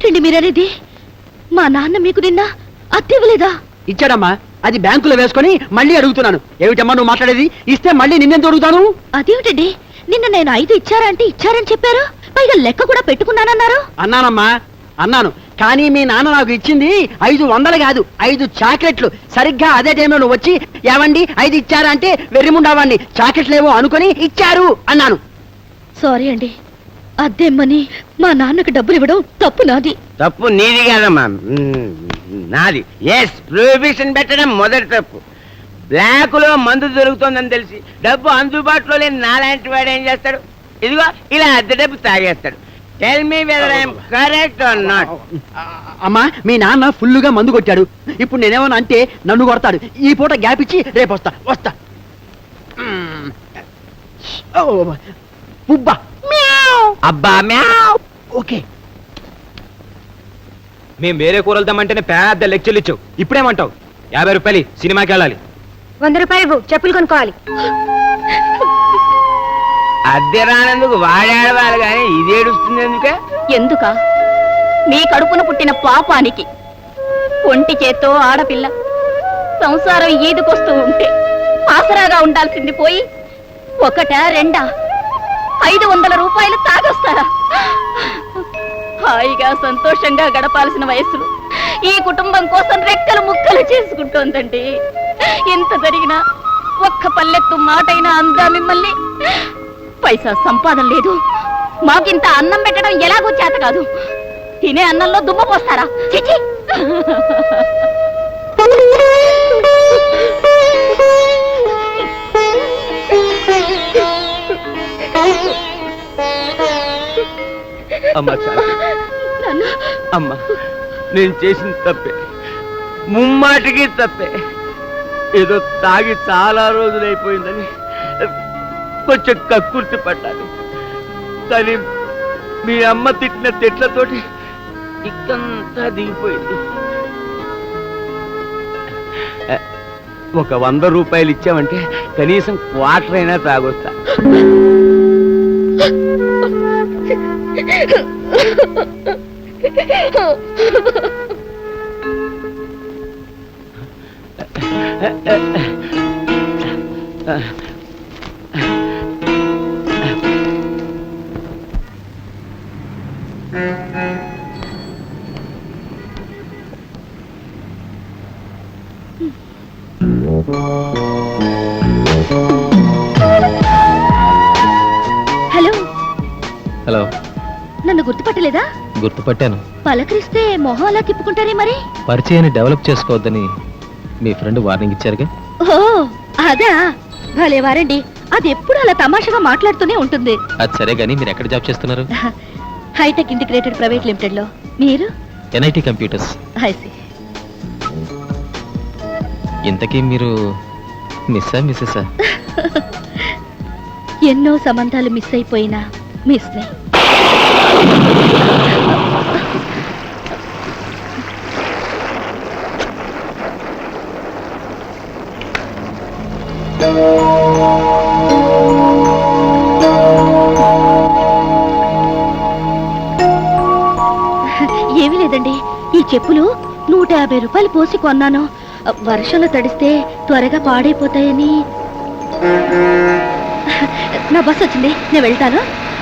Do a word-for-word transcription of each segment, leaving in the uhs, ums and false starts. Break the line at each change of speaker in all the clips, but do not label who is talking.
ఏమిటండి మీరనేది? మా నాన్న మీకు నిన్న అద్దె ఇవ్వలేదా?
ఇచ్చాడమ్మా, అది బ్యాంకులో వేసుకొని మళ్ళీ అడుగుతున్నాను. ఏమిటమ్మా నువ్వు మాట్లాడేది? ఇస్తే మళ్ళీ నిన్నెందుకు అడుగుతాను?
అదేమిటండి, నిన్న నేను ఐదు ఇచ్చారా అంటే ఇచ్చారని చెప్పారు, పైగా లెక్క కూడా పెట్టుకున్నానన్నారు.
అన్నానమ్మా, అన్నాను. కానీ మీ నాన్న నాకు ఇచ్చింది ఐదు వందలు కాదు, ఐదు చాక్లెట్లు. సరిగ్గా అదే టైంలో నువ్వు వచ్చి ఏవండి ఐదు ఇచ్చారా అంటే వెర్రిముండావాడిని, చాక్లెట్లేవో అనుకుని ఇచ్చారు అన్నాను.
సారీ అండి, అద్దెమ్మని మా నాన్నకు డబ్బులు ఇవ్వడం తప్పు నాది.
తప్పు నీది కాదమ్మా, నాది. ఎస్, ప్రొహిబిషన్ పెట్టడం మొదటి తప్పు. బ్లాక్ లో మందు దొరుకుతుందని తెలిసి డబ్బు అందుబాటులో లేని నాలాంటి వాడు ఏం చేస్తాడు? ఇదిగో ఇలా అద్దె డబ్బు తాగేస్తాడు. Tell me whether I am correct or not.
అమ్మా, మీ నాన్న ఫుల్లుగా మందు కొట్టాడు. ఇప్పుడు నేనేమన్నా అంటే నన్ను కొడతాడు. ఈ పూట గ్యాప్ ఇచ్చి రేపు వస్తా వస్తా పుబ్బా
అబ్బా మ్యావ్.
ఓకే.
మేము వేరే కూరలు తెమ్మంటేనే పెద్ద లెక్చర్లు ఇచ్చావు. ఇప్పుడేమంటావు? యాభై రూపాయలు సినిమాకి వెళ్ళాలి.
వంద రూపాయలు చెప్పులు కొనుక్కోవాలి.
అద్దె రానందుకు వాడాడవాలి కానీ ఇది ఏడుస్తుంది ఎందుకే?
ఎందుక? మీ కడుపున పుట్టిన పాపానికి. ఒంటి చేత్తో ఆడపిల్ల సంసారం ఈదుకొస్తూ ఉంటే ఆసరాగా ఉండాల్సింది పోయి ఒకట రెండా ఐదు వందల రూపాయలు తాగొస్తారా? హాయిగా సంతోషంగా గడపాల్సిన వయస్సులో ఈ కుటుంబం కోసం రెక్కలు ముక్కలు చేసుకుంటోందండి. ఎంత జరిగినా ఒక్క పల్లెత్తు మాటైనా అందా మిమ్మల్ని? పైసా సంపాదన లేదు, మాకింత అన్నం పెట్టడం ఎలాగో చేత కాదు. తినే అన్నంలో దుమ్మ పోస్తారా? చిచి!
అమ్మా చాలు అమ్మా, నేను చేసిన తప్పే, ముమ్మాటికి తప్పే. ఏదో తాగి చాలా రోజులైపోయిందని కొంచెం కక్కుర్తి పడ్డాను. కానీ మీ అమ్మ తిట్టిన తిట్లతోటి ఇక్కంతా దిగిపోయింది. ఒక వంద రూపాయలు ఇచ్చామంటే కనీసం క్వార్టర్ అయినా తాగొస్తా.
హలో
హలో,
నన్ను గుర్తుపట్టలేదా?
గుర్తుపట్టాను.
పలకరిస్తే మొహం అలా తిప్పుకుంటారే మరి?
పరిచయాన్ని డెవలప్ చేసుకోవద్దని మీ ఫ్రెండ్ వార్నింగ్ ఇచ్చారుగా.
ఓ అదా, భలే వారండి. అది ఎప్పుడు అలా తమాషాగా మాట్లాడుతూనే ఉంటుంది.
అది సరే గానీ మీరు ఎక్కడ జాబ్ చేస్తున్నారు?
హైటెక్ ఇంటిగ్రేటెడ్ ప్రైవేట్ లిమిటెడ్ లో. మీరు?
NIT computers.
ఐసి.
ఇంతకీ మీరు మిస్సా మిస్సెసా?
ఎన్నో సంబంధాలు మిస్ అయిపోయినా మిస్ ని. ఏమీ లేదండి, ఈ చెప్పులు నూట యాభై రూపాయలు పోసి కొన్నాను. వర్షంలో తడిస్తే త్వరగా పాడైపోతాయని. నా బస్ వచ్చింది, నేను వెళ్తాను.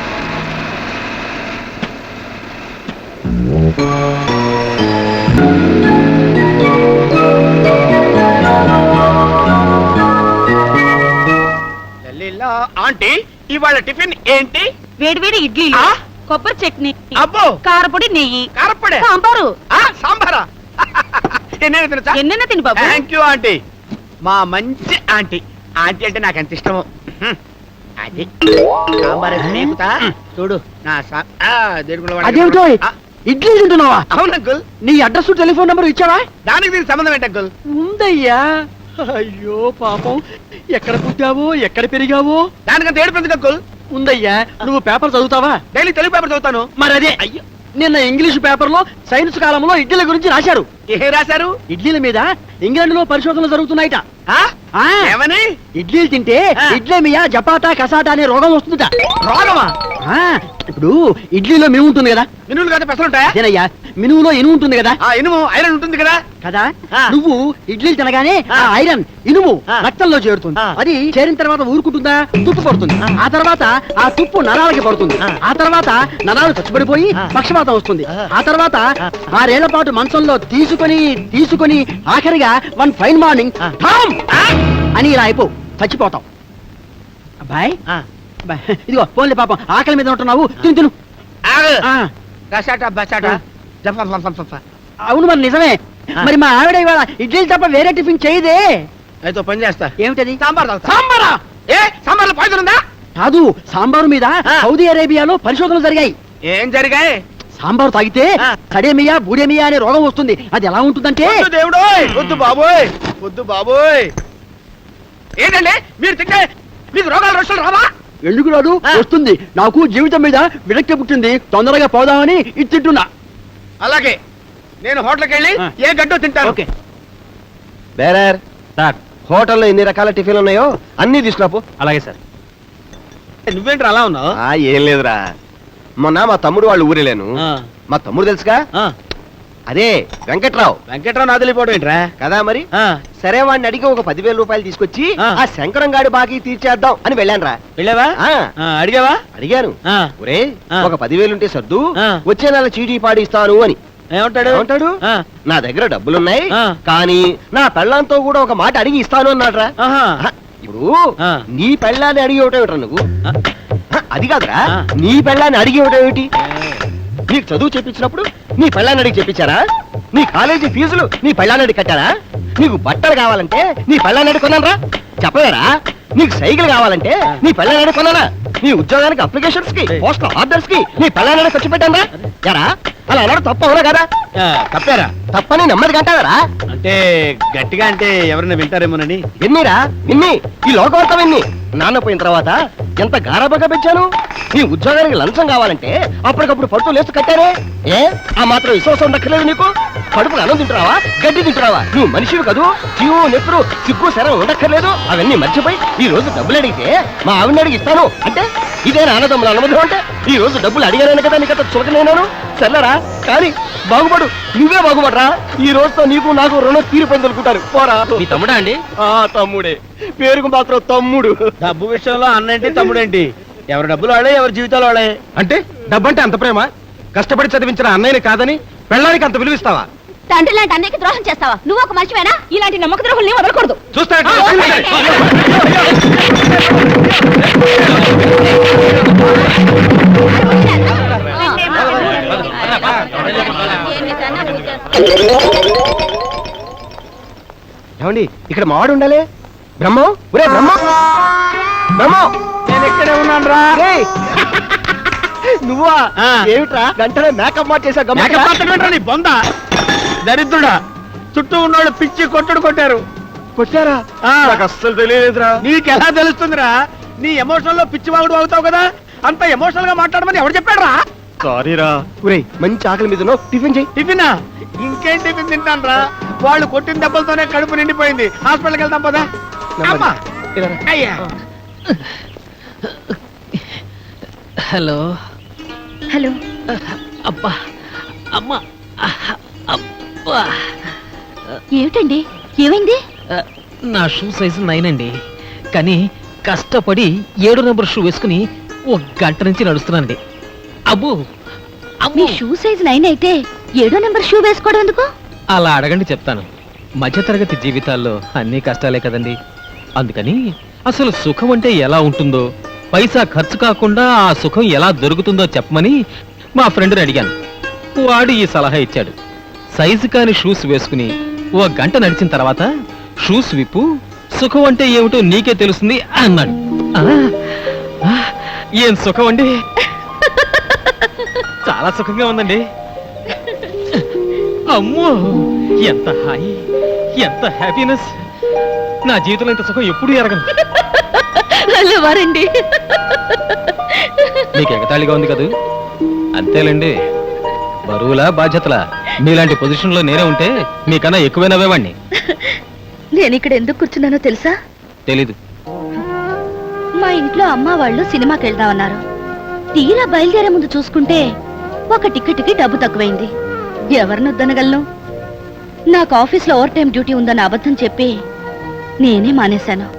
ఆంటీ, ఇవాళ టిఫిన్ ఏంటి?
వేడి వేడి ఇడ్లీ, కొబ్బరి చట్నీ,
అబ్బో
కారపొడి, నెయ్యి,
కారపొడి,
సాంబారు.
సాంబారా?
ఎన్నెన్న తిని బాబు.
థ్యాంక్ యూ ఆంటీ, మా మంచి ఆంటీ. ఆంటీ అంటే నాకు ఎంత ఇష్టమో. అది సాంబార్ చూడు నా.
అదేమిటో ఇడ్లీ తింటున్నావా?
అవును అంకుల్.
నీ అడ్రస్ టెలిఫోన్ నెంబర్ ఇచ్చావా?
దానికి దీనికి సంబంధం ఏంటి అంకుల్?
ఉందయ్యా. అయ్యో పాపం, ఎక్కడ పుట్టావో ఎక్కడ పెరిగావో.
దానికంత ఏడుపు అంకుల్.
ఉందయ్యా. నువ్వు పేపర్ చదువుతావా?
డైలీ తెలుగు పేపర్ చదువుతాను.
మరి అదే అయ్యో, నిన్న ఇంగ్లీష్ పేపర్ లో సైన్స్ కాలంలో ఇడ్లీల గురించి రాశారు.
ఏ రాశారు?
ఇడ్లీల మీద ఇంగ్లాండ్ లో పరిశోధనలు జరుగుతున్నాయిట.
ఏమని?
ఇడ్లీలు తింటే ఇడ్లేమియా జపాటా కసాటా అనే రోగం వస్తుందట.
రోగమా?
ఆ, ఇప్పుడు ఇడ్లీలో మినుము ఉంటుంది కదా,
మినువులు కదా పెసలు ఉంటాయా?
అదేనయ్యా మినుములో ఇనుము ఉంటుంది కదా
ఆ ఇనుము ఐరన్ ఉంటుంది కదా.
కదా
ఆ.
నువ్వు ఇడ్లీలు తినగానే
ఆ.
ఆ ఐరన్ ఇనుము
ఆ.
రక్తంలో చేరుతుంది.
ఆ.
అది చేరిన తర్వాత ఊరుకుంటుందా, తుప్పు పడుతుంది.
ఆ.
ఆ తర్వాత ఆ తుప్పు నరాలకి పడుతుంది.
ఆ.
ఆ తర్వాత నరాలు చచ్చిపడిపోయి
ఆ.
పక్షపాతం వస్తుంది.
ఆ.
ఆ తర్వాత
ఆ.
ఆరేళ్ల పాటు మంచంలో తీసుకొని తీసుకొని ఆఖరిగా వన్ ఫైన్ మార్నింగ్
ఆ.
ఠామ్ అని ఇలా అయిపో చచ్చిపోతాం. అబ్బాయి
ఆ.
అబ్బాయి, ఇదిగో పోన్లే పాపం ఆకలి మీద ఉంటున్నావు, తిను తిను.
ఆగు.
ఆ.
గసాట బసాట
ఆ.
జఫ ఫ ఫ ఫ ఫ.
అవును మరి నిజమే.
ఆ.
మరి మా ఆవిడ ఇవాళ ఇడ్లీలు తప్ప వేరే టిఫిన్ చేయదే.
అయితే ఓ పని చేస్తా.
ఏమిటది?
సాంబార్ తాగుతా.
సాంబారా?
ఏ సాంబార్లో పాయిజన్ ఉందా?
కాదు, సాంబారు మీద
ఆ.
సౌదీ అరేబియాలో పరిశోధనలు జరిగాయి.
ఏం జరిగాయి?
సాంబారు తాగితే
ఆ.
సడేమియా బూడేమియా అనే రోగం వస్తుంది. అది ఎలా ఉంటుందంటే
వద్దు దేవుడోయ్, వద్దు బాబోయ్, వద్దు బాబోయ్. ఏంటండి మీరు తింటే మీకు రోగాలు రొచ్చులు రావా?
ఎందుకు రాదు,
ఆ.
వస్తుంది. నాకు జీవితం మీద విరక్తి పుట్టింది, తొందరగా పోదామని ఇది తింటున్నా.
అలాగే నేను హోటల్కి వెళ్ళి
ఆ.
ఏ గడ్డో తింటాను.
ఓకే.
బేరర్
సార్
హోటల్లో ఎన్ని రకాల టిఫిన్లు ఉన్నాయో అన్ని తీసుకురాపు.
అలాగే సార్.
నువ్వేంటి అలా ఉన్నావు?
ఆ ఏం లేదురా, మొన్న మా తమ్ముడు వాళ్ళు ఊరెళ్ళాను. మా తమ్ముడు తెలుసుగా, అదే వెంకట్రావు.
వెంకట్రావు నాదిలిపోవడం ఏంట్రా?
కదా మరి.
ఆ,
సరే వాడిని అడిగి ఒక పదివేల రూపాయలు తీసుకొచ్చి
ఆ.
ఆ శంకరం గాడి బాకీ తీర్చేద్దాం అని వెళ్ళానురా.
వెళ్ళావా?
ఆ,
ఆ, అడిగావా?
అడిగాను.
ఆ,
ఒరే
ఆ.
ఒక పదివేలుంటే సర్దు,
ఆ.
వచ్చే నెల చీటీ పాడి ఇస్తాను అని.
ఏమంటాడు?
ఏమంటాడు?
ఆ,
నా దగ్గర డబ్బులున్నాయి,
ఆ.
కానీ నా పెళ్ళంతో కూడా ఒక మాట అడిగి ఇస్తాను అన్నాడ్రా.
ఆహా.
ఆహా, ఇప్పుడు
ఆ.
నీ పెళ్ళాన్ని అడిగి ఏమిటా నువ్వు?
ఆ.
హ, అది కాదురా,
ఆ.
నీ పెళ్ళాన్ని అడిగి ఏమిటి? నీకు చదువు చెప్పించినప్పుడు నీ పెళ్ళాన్ని అడిగి చెప్పించారా? నీ కాలేజీ ఫీజులు నీ పెళ్ళాన్ని అడిగి కట్టారా? నీకు బట్టలు కావాలంటే నీ పెళ్ళాన్ని అడిగి కొన్నారా? చెప్పలేరా? నీకు సైకిల్ కావాలంటే నీ పెళ్ళాన్ని అడిగి కొన్నారా? నీ ఉద్యోగానికి అప్లికేషన్స్ కి పోస్టల్ ఆర్డర్స్ కి నీ పెళ్ళాన్ని అడిగి ఖర్చు పెట్టారా? ఎరా అలా అన్నాడు తప్ప అవునా కదా?
ఆ, తప్పారా?
తప్పని నెమ్మది కంటారా?
అంటే గట్టిగా అంటే ఎవరైనా వింటారేమోనని.
విన్నీరా విన్ని, ఈ లోకవార్త విన్ని. నాన్న పోయిన తర్వాత ఎంత గారాబగా పెంచాను. నీ ఉద్యోగానికి లంచం కావాలంటే అప్పటికప్పుడు పడుతూ లేస్తూ కట్టారే. ఏ ఆ మాత్రం విశ్వాసం ఉండక్కర్లేదు నీకు? కడుపుకు అన్నం తింటున్నావా, గడ్డి తింటున్నావా? నువ్వు మనిషివి కదూ, జీవు నెత్తురు సిగ్గు శరం ఉండక్కర్లేదు. అవన్నీ మర్చిపోయి ఈ రోజు డబ్బులు అడిగితే మా ఆవిడని అడిగి ఇస్తాను అంటే ఇదే నాన్నదమ్ముల అనుమతి అంటే ఈ రోజు డబ్బులు అడిగాను కదా నీకంత చులకనేనాను. సర్లేరా కానీ బాగుపడు, నువ్వే బాగుపడరా. ఈ రోజుతో నీకు నాకు రుణం తీరిపోయింది అనుకుంటారు. పోరా.
మీ తమ్ముడా అండి?
ఆ తమ్ముడే, పేరుకు మాత్రం తమ్ముడు.
డబ్బు విషయంలో అన్నేంటి తమ్ముడేంటి? ఎవరి డబ్బులు వాడే, ఎవరి జీవితాలు వాడే.
అంటే డబ్బంటే అంత ప్రేమ? కష్టపడి చదివించిన అన్నయ్యని కాదని పెళ్ళానికి అంత విలువిస్తావా?
తండ్రి లాంటి అన్నయ్యకి ద్రోహం చేస్తావా? నువ్వు ఒక మనిషివేనా? ఇలాంటి నమ్మక ద్రోహుల్ని వదలకూడదు.
చూస్తా
ఏమండి ఇక్కడ మావాడు ఉండాలి. బ్రహ్మం, ఒరే బ్రహ్మం, బ్రహ్మం,
నేను ఎక్కడే ఉన్నాను రా.
రేయ్. నువ్వా?
ఆ.
ఏమిట్రా వెంటనే మేకప్ మార్చేసా?
మేకప్ ఆర్టిస్ట్ నీ బొంద దరిద్రుడా. చుట్టూ ఉన్నోళ్ళు పిచ్చి కొట్టుడు కొట్టారు.
కొట్టారా?
ఆ.
నాకు అస్సలు తెలియలేదురా.
నీకెలా తెలుస్తుందిరా? నీ ఎమోషనల్ లో పిచ్చి వాగుడు అవుతావు కదా. అంత ఎమోషనల్ గా మాట్లాడమని ఎవరు చెప్పాడు రా?
సారీరా. ఒరేయ్ మంచి ఆకలి మీద ఉన్నావు, టిఫిన్ చెయ్యి.
టిఫినా? ఇంకేం టిఫిన్ తింటాను రా? వాళ్ళు కొట్టిన దెబ్బలతోనే కడుపు నిండిపోయింది. హాస్పిటల్కి వెళ్తాం పదా. అమ్మా.
ఇలా రా.
అయ్యా.
హలో.
హలో.
అబ్బా అమ్మా అబ్బా.
ఏమిటండి, ఏమైంది?
నా షూ సైజు నైన్ అండి, కానీ కష్టపడి ఏడు నెంబర్ షూ వేసుకుని ఒక గంట నుంచి నడుస్తున్నానండి. అబ్బో
మీ
అబ్బో.
షూ సైజ్ నైన్ అయితే ఏడో నెంబర్ షూ వేసుకోవడం ఎందుకు?
అలా అడగండి చెప్తాను. మధ్యతరగతి జీవితాల్లో అన్ని కష్టాలే కదండి. అందుకని అసలు సుఖం అంటే ఎలా ఉంటుందో, పైసా ఖర్చు కాకుండా ఆ సుఖం ఎలా దొరుకుతుందో చెప్పమని మా ఫ్రెండ్ని అడిగాను. వాడు ఈ సలహా ఇచ్చాడు. సైజు కాని షూస్ వేసుకుని ఓ గంట నడిచిన తర్వాత షూస్ విప్పు, సుఖం అంటే ఏమిటో నీకే తెలుస్తుంది అన్నాడు. ఆ, ఆ, ఏం సుఖం అండి, చాలా సుఖంగా ఉందండి. అమ్మో ఎంత హాయి, ఎంత హ్యాపీనెస్. నా జీవితంలో ఇంత సుఖం ఎప్పుడు ఎరగను.
హలో వారండి.
మీకు ఎగతాళిగా ఉంది కదూ? అంతేలేండి. బరువులా బాధ్యతలా మీలాంటి పొజిషన్ లో నేనే ఉంటే మీకన్నా ఎక్కువ నవ్వేవాణ్ణి.
నేను ఇక్కడ ఎందుకు కూర్చున్నానో తెలుసా?
తెలీదు.
మా ఇంట్లో అమ్మ వాళ్ళు సినిమాకి వెళ్దామన్నారు. తీరా బయలుదేరే ముందు చూసుకుంటే ఒక టికెట్కి డబ్బు తక్కువైంది. ఎవరిని వద్దనగలను? నాకు ఆఫీస్లో ఓవర్ టైం డ్యూటీ ఉందని అబద్ధం చెప్పి నేనే మానేశాను.